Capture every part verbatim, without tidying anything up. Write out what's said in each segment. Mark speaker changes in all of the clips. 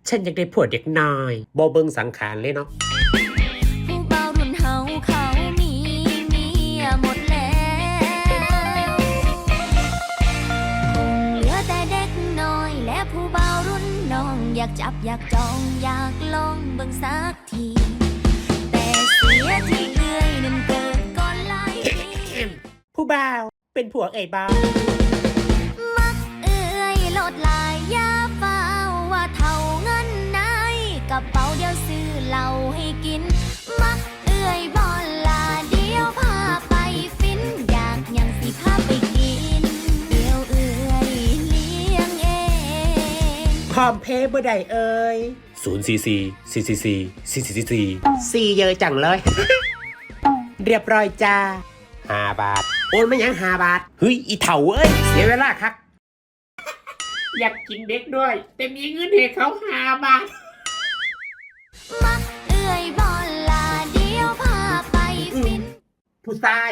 Speaker 1: ฉันอยากได้ผัวเด็กน้อยบ่เบิ่งสังขารเลยเนาะ
Speaker 2: ผู้บ่าวรุ่นเฮาเขามีเมียหมดแล้วเหลือแต่เด็กน้อยและผู้บ่าวรุ่นน้องอยากจับอยากจองอยากลองเบิ่งสักทีแต่เสียที่เอื้อยนั้นเกิดก่อนหลายปี
Speaker 1: ผู้บ่าวเป็นผัวเอ่ยบ่
Speaker 2: มักเอื้อยโลดลายยาเฝ้าว่าเท่าเงินในกระเป๋าเดียวซื้อเหล้าให้กินมักเอื้อยบอลลาเดียวพาไปฟินอยากยังสิพาไปกินเดียวเอื้อยเลี้ยงเอง
Speaker 1: พร้อมเพย์บ่ได้เอ่ยศูนย์สี่สี่สี่สี่สี่สี่สี่สี่สี่เยอะจังเลย เรียบร้อยจ้าห้าบาทโอนไม่ยังห้าบาทเฮ้ยอีเถ่าเอ้ยเสียเวลาครับ อยากกินเด็กด้วยแต่มีเงินให้เขาห้าบาท
Speaker 2: มักเอื้อยบอลลาเดียวพาไปฟิน
Speaker 1: ผู้ชาย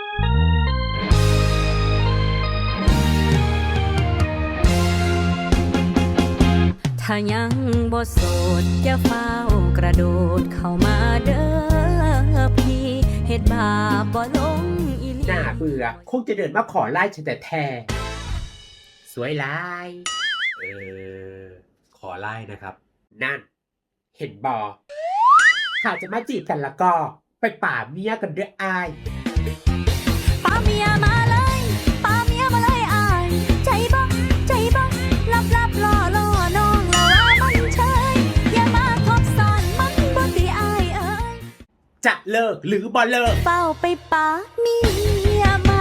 Speaker 2: ถ้ายังบ่โสดอย่าเฝ้ากระโดดเข้ามาเด้อพี่เฮ็ดบาปบ่ลงอีหลี
Speaker 1: น่าเบื่อคงจะเดินมาขอไล่ฉันแต่แท้สวยลายเออขอไล่นะครับนั่นเห็นบอถ้าจะมาจีบกันแล้วก็ไปป่าเมียกันเด้ออาย
Speaker 2: ป่าเมียมาเลยป่าเมียมาเลยอายใจบ่ใจบ่ลับลับล่อล่อน้องละว่ามันเฉยอย่ามาคบซ้อนมันบ่ติอายเอ้ย
Speaker 1: จะเลิกหรือบ่เลิก
Speaker 2: เฝ้าไปป่าเมียมา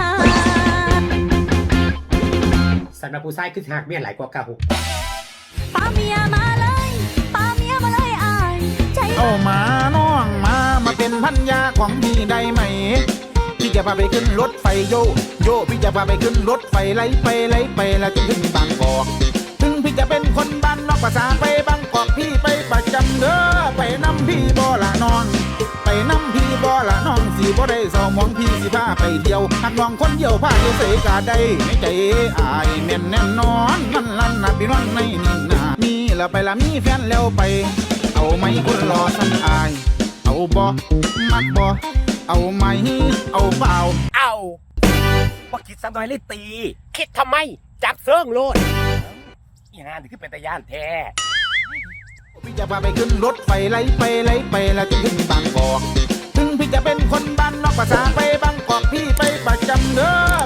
Speaker 1: สำหรับผู้ชายคือหากเมียหลายกว่าเก่า
Speaker 2: ป่าเมียมาเลยป่าเมียมาเลยอายใจ
Speaker 3: เอามาน้องมามาเป็นพันยาของพี่ได้ไหมพี่จะพาไปขึ้นรถไฟโยโยพี่จะพาไปขึ้นรถไฟไล่ไปไล่ไปแล้วจนถึงบางกอกถึงพี่จะเป็นคนบ้านนอกภาษาไปบางกอกพี่ไปประจำเด้อไปน้ำพี่บ่ละน้องไปน้ำพี่บ่ละน้องสีบ่ได้สมองพี่สิพาไปเที่ยวหักน้องคนเดียวพาเที่ยวเสกาได้ในใจอายแน่นแน่นอนมันลั่นนะพี่น้องในนี่นามีแล้วไปละมีแฟนแล้วไปเอาไหมคนรอฉันอายเอาบ่มักบ่เอาไหมเอาเปล่า
Speaker 1: เอาว่าคิดสักหน่อยเลยตีคิดทำไมจับเซิงโลดอย่างนั้นคือเป็นตาย่านแท้
Speaker 3: พี่จะพาไปขึ้นรถไฟไล่ไปไล่ไปแล้วจนถึงบางกอกถึงพี่จะเป็นคนบ้านนอกภาษาไปบางกอกพี่ไปประจำเด้อ